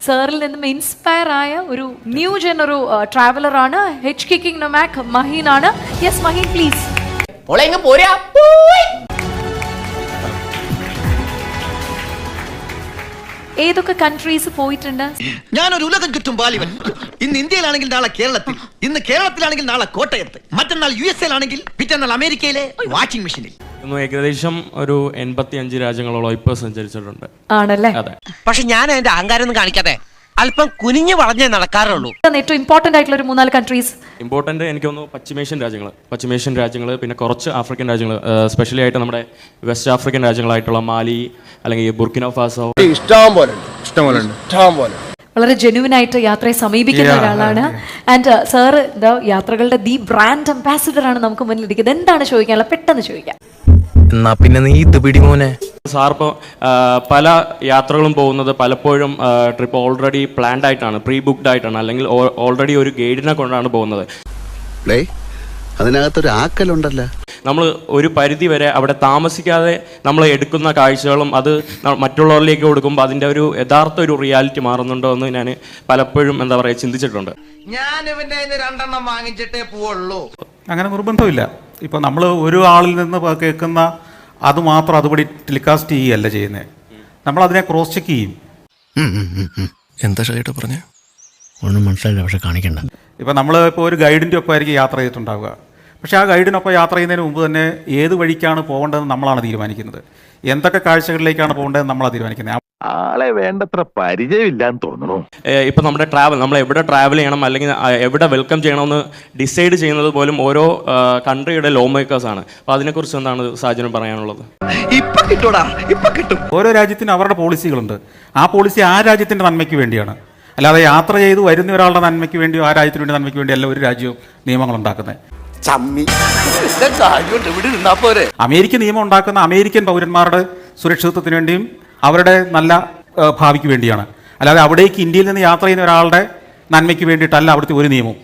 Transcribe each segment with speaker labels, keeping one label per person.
Speaker 1: സാറിൽ നിന്നും ഇൻസ്പയർ ആയ ഒരു ന്യൂ ജൻ ഒരു ട്രാവലറാണ് ഹെച്ച് കിക്കിംഗ് നൊമാക് മഹീൻ ആണ്. Yes Mahin please. ഏതൊക്കെ കൺട്രീസ് പോയിട്ടുണ്ട്?
Speaker 2: ഞാനൊരു ഉലകം ചുറ്റും ബാലിവൻ. ഇന്ന് ഇന്ത്യയിലാണെങ്കിൽ നാളെ കേരളത്തിൽ, ഇന്ന് കേരളത്തിലാണെങ്കിൽ നാളെ കോട്ടയത്ത്, മറ്റന്നാൾ USA ാണെങ്കിൽ പിറ്റന്നാൾ അമേരിക്കയിലെ വാഷിംഗ് മെഷീനിൽ.
Speaker 3: ഏകദേശം ഒരു 85 രാജ്യങ്ങളോളം ഇപ്പൊ സഞ്ചരിച്ചിട്ടുണ്ട്.
Speaker 1: ആണല്ലേ?
Speaker 3: അതെ.
Speaker 4: പക്ഷെ ഞാൻ അതിന്റെ അഹങ്കാരം ഒന്നും കാണിക്കാതെ അല്പം കുനിഞ്ഞു വളഞ്ഞേ നടക്കാറുള്ളൂ.
Speaker 1: ഏറ്റവും ഇമ്പോർട്ടന്റ് ആയിട്ടുള്ള ഒരു 3-4 കൺട്രീസ്.
Speaker 3: ഇമ്പോർട്ടന്റ് എനിക്ക് തോന്നുന്നു പശ്ചിമേഷ്യൻ രാജ്യങ്ങൾ, പിന്നെ കുറച്ച് ആഫ്രിക്കൻ രാജ്യങ്ങൾ, സ്പെഷ്യലി ആയിട്ട് നമ്മുടെ വെസ്റ്റ് ആഫ്രിക്കൻ രാജ്യങ്ങളായിട്ടുള്ള മാലി അല്ലെങ്കിൽ ബുർക്കിനോ ഫാസോ.
Speaker 1: വളരെ ജെന്യുവൻ ആയിട്ട് യാത്രയെ സമീപിക്കുന്ന ഒരാളാണ്. ആൻഡ് സാറ് യാത്രകളുടെ ദി ബ്രാൻഡ് അംബാസിഡർ ആണ് നമുക്ക് മുന്നിലിരിക്കുന്നത്. എന്താണ് ചോദിക്കാനുള്ളത്? പെട്ടെന്ന് ചോദിക്കാം.
Speaker 5: എന്നാ പിന്നെ നീ ഇത് പിടിമോനെ.
Speaker 3: സാർ ഇപ്പോൾ പല യാത്രകളും പോകുന്നത് പലപ്പോഴും ട്രിപ്പ് ഓൾറെഡി പ്ലാൻഡ് ആയിട്ടാണ്, പ്രീ ബുക്ക്ഡ് ആയിട്ടാണ്, അല്ലെങ്കിൽ ഓൾറെഡി ഒരു ഗൈഡിനെ കൊണ്ടാണ് പോകുന്നത്.
Speaker 6: അതിനകത്തൊരു ആക്കലുണ്ടല്ലോ.
Speaker 3: നമ്മൾ ഒരു പരിധി വരെ അവിടെ താമസിക്കാതെ നമ്മൾ എടുക്കുന്ന കാഴ്ചകളും അത് മറ്റുള്ളവരിലേക്ക് കൊടുക്കുമ്പോൾ അതിൻ്റെ ഒരു യഥാർത്ഥ ഒരു റിയാലിറ്റി മാറുന്നുണ്ടോ എന്ന് ഞാൻ പലപ്പോഴും ചിന്തിച്ചിട്ടുണ്ട്.
Speaker 2: ഞാൻ ഇവന്റെ 2 വാങ്ങിച്ചിട്ടേ പോവുള്ളൂ.
Speaker 7: അങ്ങനെ നിർബന്ധമില്ല. ഇപ്പോൾ നമ്മൾ ഒരു ആളിൽ നിന്ന് കേൾക്കുന്ന അത് മാത്രം അതുപടി ടെലികാസ്റ്റ് ചെയ്യുകയല്ല ചെയ്യുന്നത്. നമ്മളതിനെ ക്രോസ് ചെക്ക് ചെയ്യും.
Speaker 5: എന്താ ഷൈട്ട് പറഞ്ഞേ?
Speaker 6: ഒന്നും മനസ്സിലായില്ല, പക്ഷെ കാണിക്കണ്ട.
Speaker 7: ഇപ്പോൾ നമ്മൾ ഒരു ഗൈഡിൻ്റെ ഒപ്പം ആയിരിക്കും യാത്ര ചെയ്തിട്ടുണ്ടാവുക. പക്ഷേ ആ ഗൈഡിനൊപ്പം യാത്ര ചെയ്യുന്നതിന് മുമ്പ് തന്നെ ഏത് വഴിക്കാണ് പോകേണ്ടതെന്ന് നമ്മളാണ് തീരുമാനിക്കുന്നത്. എന്തൊക്കെ കാഴ്ചകളിലേക്കാണ് പോകേണ്ടതെന്ന് നമ്മളാണ് തീരുമാനിക്കുന്നത്.
Speaker 8: ആളെ വേണ്ടത്ര പരിചയമില്ലാന്ന് തോന്നുന്നു.
Speaker 3: ഇപ്പം നമ്മൾ എവിടെ ട്രാവൽ ചെയ്യണം അല്ലെങ്കിൽ എവിടെ വെൽക്കം ചെയ്യണമെന്ന് ഡിസൈഡ് ചെയ്യുന്നത് പോലും ഓരോ കൺട്രിയുടെ ലോ മേക്കേഴ്സ് ആണ്. അപ്പോൾ അതിനെക്കുറിച്ച് എന്താണ് സാജന് പറയാനുള്ളത്?
Speaker 7: ഓരോ രാജ്യത്തിനും അവരുടെ പോളിസികളുണ്ട്. ആ പോളിസി ആ രാജ്യത്തിൻ്റെ നന്മയ്ക്ക് വേണ്ടിയാണ്. അല്ലാതെ യാത്ര ചെയ്ത് വരുന്ന ഒരാളുടെ നന്മയ്ക്ക് വേണ്ടിയോ ആ രാജ്യത്തിന് വേണ്ടി നന്മയ്ക്ക് വേണ്ടി അല്ല ഒരു രാജ്യവും നിയമങ്ങൾ ഉണ്ടാക്കുന്നത്. അമേരിക്കൻ നിയമം ഉണ്ടാക്കുന്ന അമേരിക്കൻ പൗരന്മാരുടെ സുരക്ഷിതത്വത്തിന് വേണ്ടിയും അവരുടെ നല്ല ഭാവിക്ക് വേണ്ടിയാണ്. അല്ലാതെ അവിടേക്ക് ഇന്ത്യയിൽ നിന്ന് യാത്ര ചെയ്യുന്ന ഒരാളുടെ നന്മയ്ക്ക് വേണ്ടിയിട്ടല്ല അവിടുത്തെ ഒരു നിയമവും.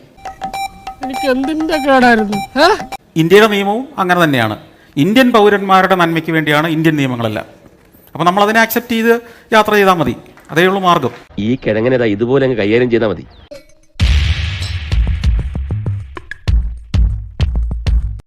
Speaker 7: ഇന്ത്യയുടെ നിയമവും അങ്ങനെ തന്നെയാണ്. ഇന്ത്യൻ പൗരന്മാരുടെ നന്മയ്ക്ക് വേണ്ടിയാണ് ഇന്ത്യൻ നിയമങ്ങളെല്ലാം. അപ്പോൾ നമ്മൾ അതിനെ അക്സെപ്റ്റ് ചെയ്ത് യാത്ര ചെയ്താൽ മതി. അതേ ഉള്ളൂ മാർഗം.
Speaker 8: ഈ കിഴങ്ങനെ ഇതുപോലെ അങ്ങ് കൈകാര്യം ചെയ്താൽ മതി.